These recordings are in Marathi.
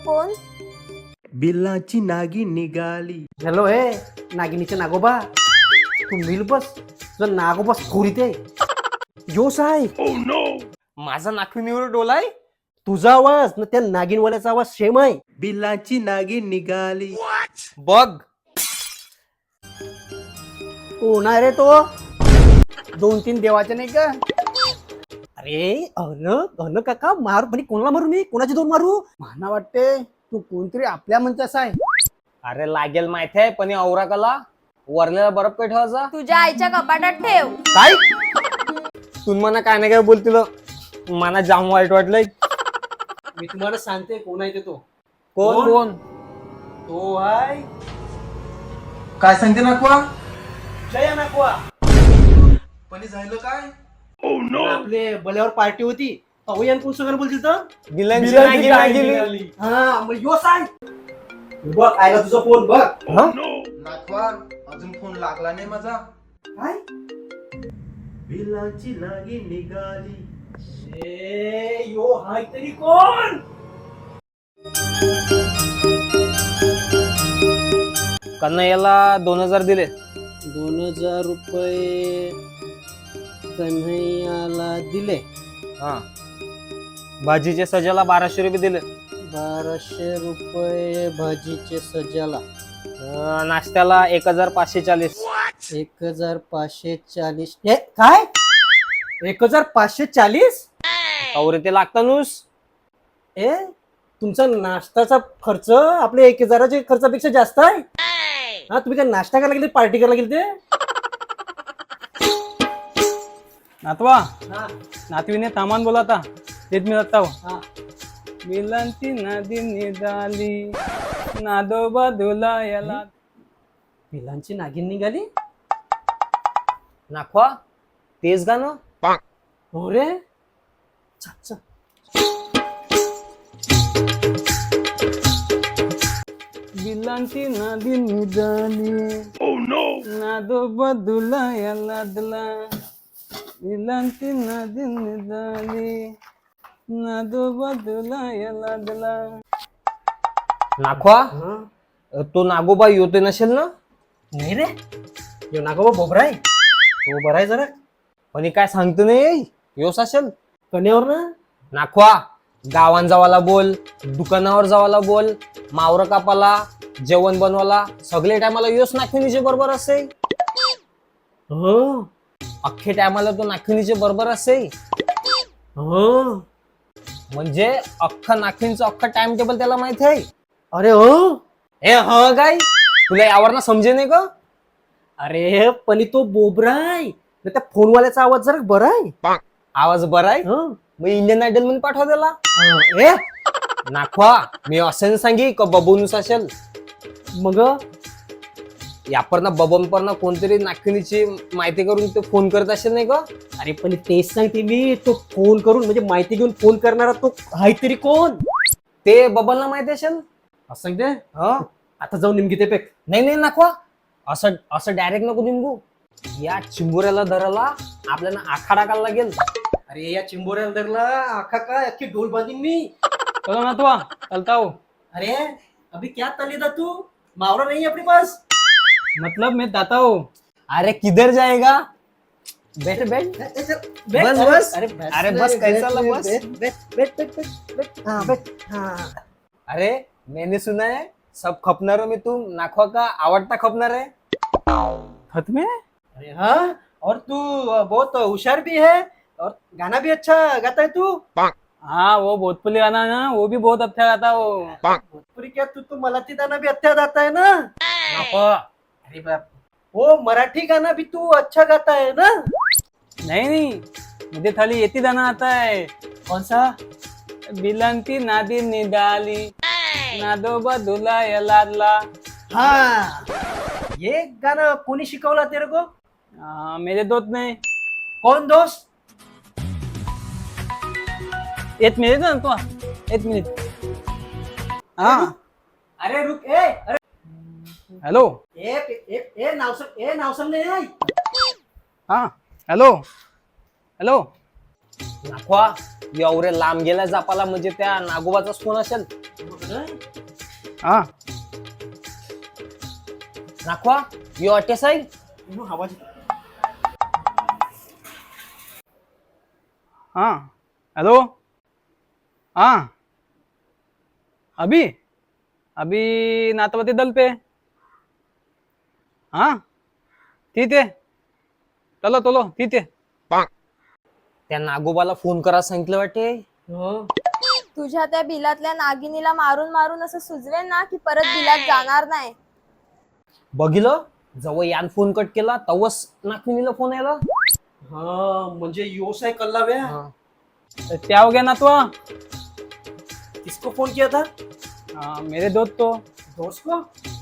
कोण? बिल्लाची नागिन निघाली. हॅलो हे नागिनीचे नागोबा, तू मिल बस तुझा नागोबा खोरीत आहे. योस आहे माझा नाखुनीवर डोलाय. तुझा आवाज ना त्या नागिनवाल्याचा आवाज सेम आहे. बिल्लाची नागिन निघाली. बघ कोण आहे रे तो? 2-3 देवाचे नाही का? अरे अन काका मारू पण कोणाला मारू मी? कोणाचे दोन मारू? मला वाटते तू कोणतरी आपल्या म्हणतेस आहे. अरे लागेल माहिती आहे, पण औरा कला वरलेला बर्फ काय ठेवायचा? तुझ्या आईच्या कपाटात ठेव. काय तुम्ही मला काय नाही काय बोलतील, मला जाम वाईट वाटलंय. मी तुम्हाला सांगते कोण आहे ते तो. कोण कोण? तो आहे काय सांगते नाकवा? जया नागवा. पण झालं काय? आपले बल्यावर पार्टी होती. अवयन कोण सगळं बोलतील तर बिलांची नागिन नागिली. हा मग योस आहे. बघ आयला तुझा फोन बघ. नाकवा अजून फोन लागला नाही माझा. काय? बिल्लाची नागिन निघाली. यो हाय तरी कोण? कन्हैयाला 2000 दिले. 2000 रुपये कन्हैयाला दिले. हा भाजीचे सजाला 1200 रुपये दिले. 1200 रुपये भाजीचे सजाला. नाश्त्याला 1540. 1540. हे काय? 1540? औरे ते लागतं नुस. ए तुमचा नाश्ताचा खर्च आपल्या 1000च्या खर्चापेक्षा जास्त आहे. हा तुम्ही काय नाश्ता करायला गेले पार्टी करायला गेले ते? नातवा हा नातवीने तामान बोला आता तेच मी जाता हा. मिलांची नदी निघाली नादोबा धुला याला. पिलांची नागिन निघाली. नाखवा तेच गाणं. हो रे. चा, चा. बिलांची नदी निघाली नादोबा धुला याला दला. बिलांची नदी निघाली नादोबा धुला याला दला. नाखवा हा? तो नागोबा योते नसेल ना? नाही रे यो नागोबा बोबरा आहे. तो बरा आहे जरा. पण हे काय सांगतो नाही योस असेल. कन्यावर ना. नाखवा गावान जावाला बोल, दुकानावर जावाला बोल, मावर कापाला, जेवण बनवाला सगळे टायमाला योस नाखिनीचे बरोबर असे. हो अख्खे टायमाला तो नाखिनीचे बरोबर असे. हो. म्हणजे अख्खा नाखिनीचं अख्खा टाइम टेबल त्याला माहिती आहे. अरे हो. हे ह काय तुला यावर ना समजे नाही का? अरे पण तो बोबरा आहे. त्या फोनवाल्याचा आवाज जरा बरा आहे. आवाज बरा आहे. हं. मग इंडियन आयडल मध्ये पाठवा त्याला. ए नाखवा मी असं सांगी का बबोनुस असेल. मग यापर ना बबन पर ना कोणतरी नाखिनीची माहिती करून ते फोन करत असेल नाही का? अरे पण तेच सांगते मी. तो फोन करून म्हणजे माहिती घेऊन फोन करणारा तो आहे तरी कोण? ते बबलला माहिती असेल. असं सांगते. हा आता जाऊन निमकी ते पेक. नाही नाही नाखवा असं असं डायरेक्ट नको निघू. या चिंबुऱ्याला धराला आपल्याला आखाडा टाकायला लागेल. अरे या चिंबोऱ्याला धरला आखा काय अख्खी ढोल बांधीन मी. चलो नातवा चलता हूँ. अरे अभी क्या तलेदा तू? मावरा नहीं है अपने पास. मतलब मैं जाता हूँ. अरे किधर जाएगा? बैठ बैठ. बस बस. अरे बस कैसा लगा बस. हाँ बैठ. हाँ अरे मैंने सुना है सब खपनारों में तुम नाखवा का आवड़ता खपनार है. खत में अरे हाँ. और तू बहुत होशियार भी है और गाना भी अच्छा गाता है तू. हाँ वो भोजपुरी गाना है ना वो भी बहुत अच्छा गाता है वो. भोजपुरी क्या तू तो मराठी गाना भी अच्छा गाता है ना. नाखवा अरे बाप. वो मराठी गाना भी तू अच्छा गाता है ना. नहीं नहीं मुझे खाली ये गाना आता है. कौन सा? बिलांती नादी निघाली नादोबा धुला याला. हाँ ये गाना कोणी शिकवला तेरे को? मेरे दोस्त ने. कौन दोस्त? एक मिनिट ना तो. एक मिनिट. हाँ अरे रुक. अरे हेलो. ए नावसंग नाही. हाँ हॅलो हॅलो. नाखवा एवढे लांब गेला जापाला म्हणजे त्या नागोबाचाच फोन असेल. हा नाखवा यू अटेस आहे आवाज हाँ हेलो हाँ अभी अभी नाथपति दल पे हाँ ठीक है चलो चलो ठीक है त्या नागोबाला फोन करा सांगितलं वाटे. तुझ्या त्या बिलातल्या नागिनीला मारून मारून असं सुचवेल ना की परत बिलात जाणार नाही. बघितलं जवळ यान फोन कट केला तवच नागविनीला फोन आला. हाँ म्हणजे योस है कल्लाव्या. क्या हो गया नाथवा? किसको फोन किया था? हाँ, मेरे दोस्त तो दोस्त को.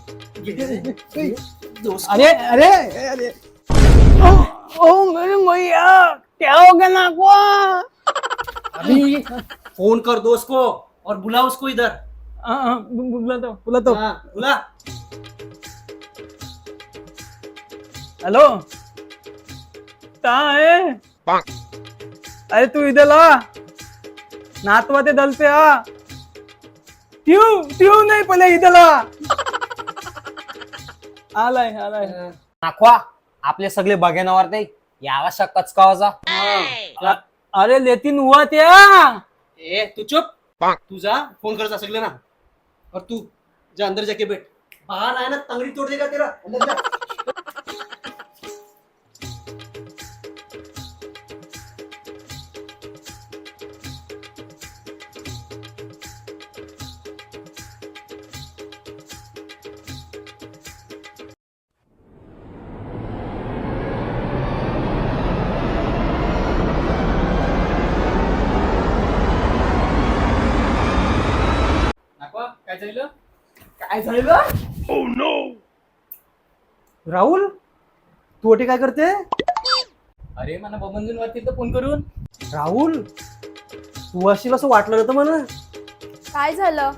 दोस्त अरे अरे अरे ओ मेरे मैया क्या हो गया नाथवा? अभी फोन कर दोस्त को और बुला उसको इधर. हाँ, बोला तो हाँ, बुला. हेलो कहाँ है? अरे तू इधर ला नाथवा ते दल पे आ. क्यों नहीं पहले इधर ला. आलाय नाखवा आपले सगळे बघेनावर ते याला शक्कच कावाचा. अरे लेकिन हुआ त्या. ए तू चुप. तू जा फोन कर जा सगळे ना. और तू जा अंदर जाके बैठ. बाहर आया ना तंगड़ी तोड़ देगा तेरा. अंदर जा. काय झालं? राहुल तू अटे काय करते? अरे मला बबंजून वरती तर फोन करून. राहुल तू असेल असं वाटलं नव्हतं मला. काय झालं?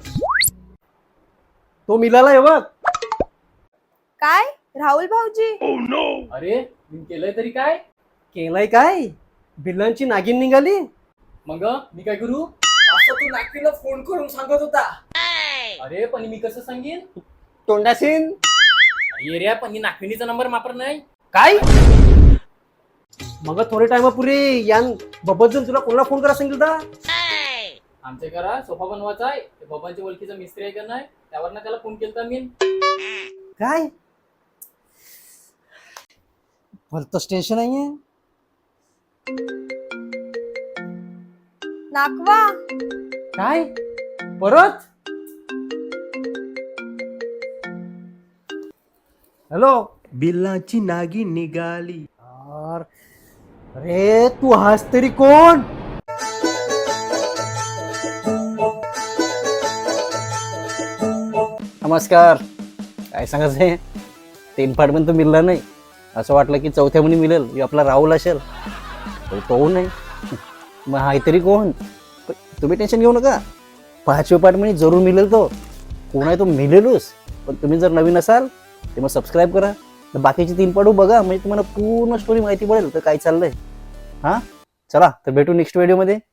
तो मिलाला आहे बघ. काय राहुल भाऊजी? अरे मी केलंय तरी काय? केलंय काय? बिल्लांची नागिन निघाली. मग मी काय करू? असं तू नागपूरला फोन करून सांगत होता. अरे पण मी कसं सांगेन? तोंडासीन ये रे पण ही नागविणीचा नंबर वापर नाही. काय मग थोडे टाइमापूर्वी यान बबजून तुला कोणाला फोन करा सांगितलं होता? आमच्या घरात सोफा बनवायचा आहे. ते बाबांच्या ओळखीचा मिस्त्री आहे का नाही त्यावरनं त्याला फोन केलता मी. काय भलतंच टेन्शन नाहीये. नाकवा काय परत? हॅलो. बिल्लाची नागिन निघाली. अरे तू हास तरी कोण? नमस्कार. काय सांगायचंय 3 पार्ट पण तो मिळला नाही. असं वाटलं की चौथ्या म्हणी मिळेल की आपला राहुल असेल तो नाही. मग हाय तरी कोण? तुम्ही टेन्शन घेऊ नका. 5व्या पार्ट म्हणे जरूर मिळेल. तो कोण आहे तो मिळेलच. पण तुम्ही जर नवीन असाल तर मग सबस्क्राईब करा. बाकीचे 3 पार्ट बघा म्हणजे तुम्हाला पूर्ण स्टोरी माहिती पडेल तर काय चाललंय. हां चला तर भेटू नेक्स्ट व्हिडिओमध्ये.